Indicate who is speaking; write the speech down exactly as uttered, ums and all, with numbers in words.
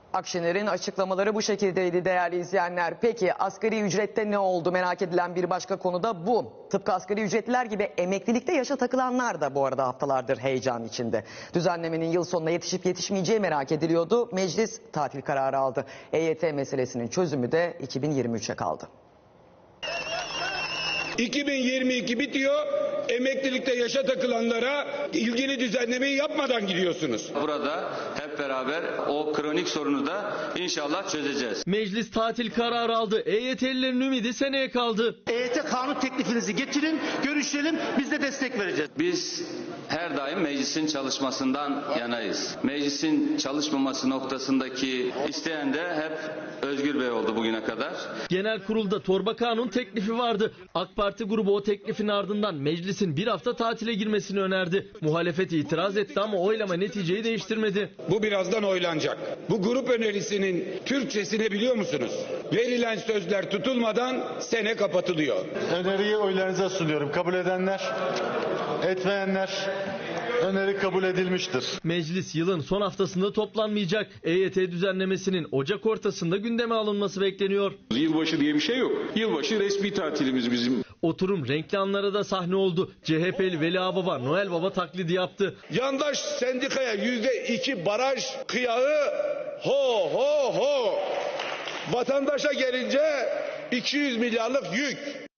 Speaker 1: Akşener'in açıklamaları bu şekildeydi değerli izleyenler. Peki asgari ücrette ne oldu? Merak edilen bir başka konu da bu. Tıpkı asgari ücretliler gibi emeklilikte yaşa takılanlar da bu arada haftalardır heyecan içinde. Düzenlemenin yıl sonuna yetişip yetişmeyeceği merak ediliyordu. Meclis tatil kararı aldı. E Y T meselesinin çözümü de iki bin yirmi üçe kaldı.
Speaker 2: iki bin yirmi iki bitiyor. Emeklilikte yaşa takılanlara ilgili düzenlemeyi yapmadan gidiyorsunuz.
Speaker 3: Burada hep beraber o kronik sorunu da inşallah çözeceğiz.
Speaker 4: Meclis tatil kararı aldı. E Y T'lilerin ümidi seneye kaldı.
Speaker 5: E Y T kanun teklifinizi getirin, görüşelim, biz de destek vereceğiz.
Speaker 3: Biz her daim meclisin çalışmasından yanayız. Meclisin çalışmaması noktasındaki isteyen de hep Özgür Bey oldu bugüne kadar.
Speaker 4: Genel kurulda torba kanun teklifi vardı. AK Parti grubu o teklifin ardından meclisin bir hafta tatile girmesini önerdi. Muhalefet itiraz etti ama oylama neticeyi değiştirmedi.
Speaker 2: Bu birazdan oylanacak. Bu grup önerisinin Türkçesini biliyor musunuz? Verilen sözler tutulmadan sene kapatılıyor.
Speaker 6: Öneriyi oylarınıza sunuyorum. Kabul edenler, etmeyenler, öneri kabul edilmiştir.
Speaker 4: Meclis yılın son haftasında toplanmayacak. E Y T düzenlemesinin Ocak ortasında gündeme alınması bekleniyor.
Speaker 7: Yılbaşı diye bir şey yok. Yılbaşı resmi tatilimiz bizim.
Speaker 4: Oturum renkli anlara da sahne oldu. C H P'li Veli Ağababa Noel Baba taklidi yaptı.
Speaker 2: Yandaş sendikaya yüzde iki baraj kıyağı ho ho ho. Vatandaşa gelince iki yüz milyarlık yük.